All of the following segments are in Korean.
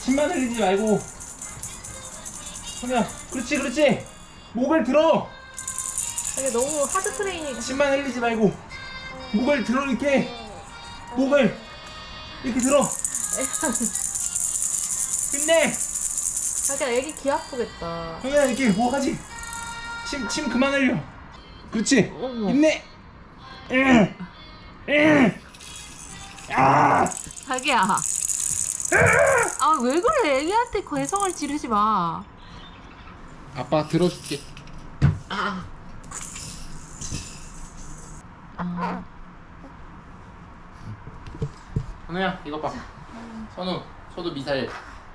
침만 흘리지 말고. 선우야, 그렇지, 그렇지. 목을 들어. 이게 너무 하드 트레이닝. 침만 흘리지 말고. 목을 들어, 이렇게. 목을 이렇게 들어. 힘내. 자기야, 애기 귀 아프겠다. 선우야, 이렇게 뭐 하지? 침 그만 흘려. 그렇지. 어머. 힘내. 아! 자기야. 아, 왜 그래? 애기한테 괴성을 지르지 마. 아빠 들어줄게. 선우야, 이거 봐. 선우 미사일.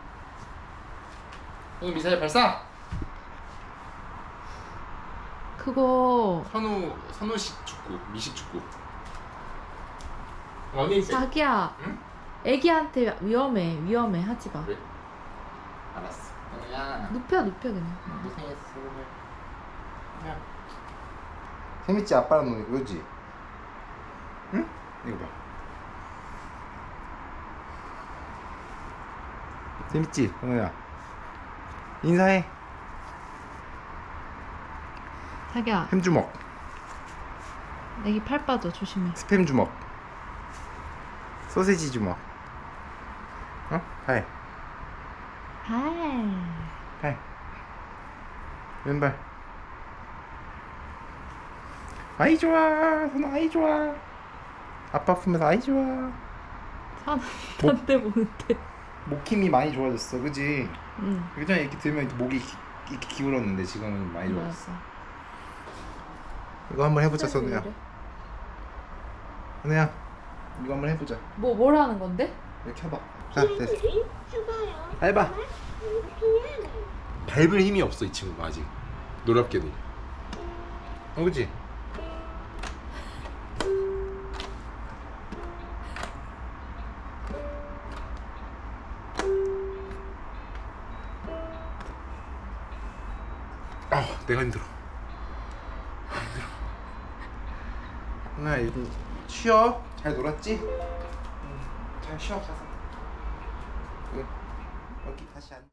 선우 미사일 발사. 그거 선우식 축구, 미식 축구. 어디 자기야. 응? 애기한테 위험해. 하지 마. 그래? 알았어. 선우야. 눕혀 그냥. 고생했어. 재밌지? 아빠랑 노는 거 그지? 응? 이거 봐. 재밌지? 선우야. 인사해. 자기야, 햄 주먹. 애기 팔 빠져. 조심해. 스팸 주먹. 소세지 주먹. 어? 팔. 팔. 왼발. 아이 좋아. 선우 아이 좋아. 아빠 품에서 아이 좋아. 산한테 보는데. 목 힘이 많이 좋아졌어, 그지? 응. 예전에 이렇게 들면 목이 이렇게 기울었는데 지금은 많이 좋아졌어. 맞아. 이거 한번 해보자, 선우야. 선우야, 이거 한번 해보자. 뭘 하는 건데? 이렇게 해봐. 자, 됐어. 해봐. 밟을 힘이 없어, 이 친구가 아직. 놀랍게도. 그치? 내가 힘들어. 나 이거 쉬어. 잘 놀았지? 잘 쉬어 가서. 여기 다시 앉.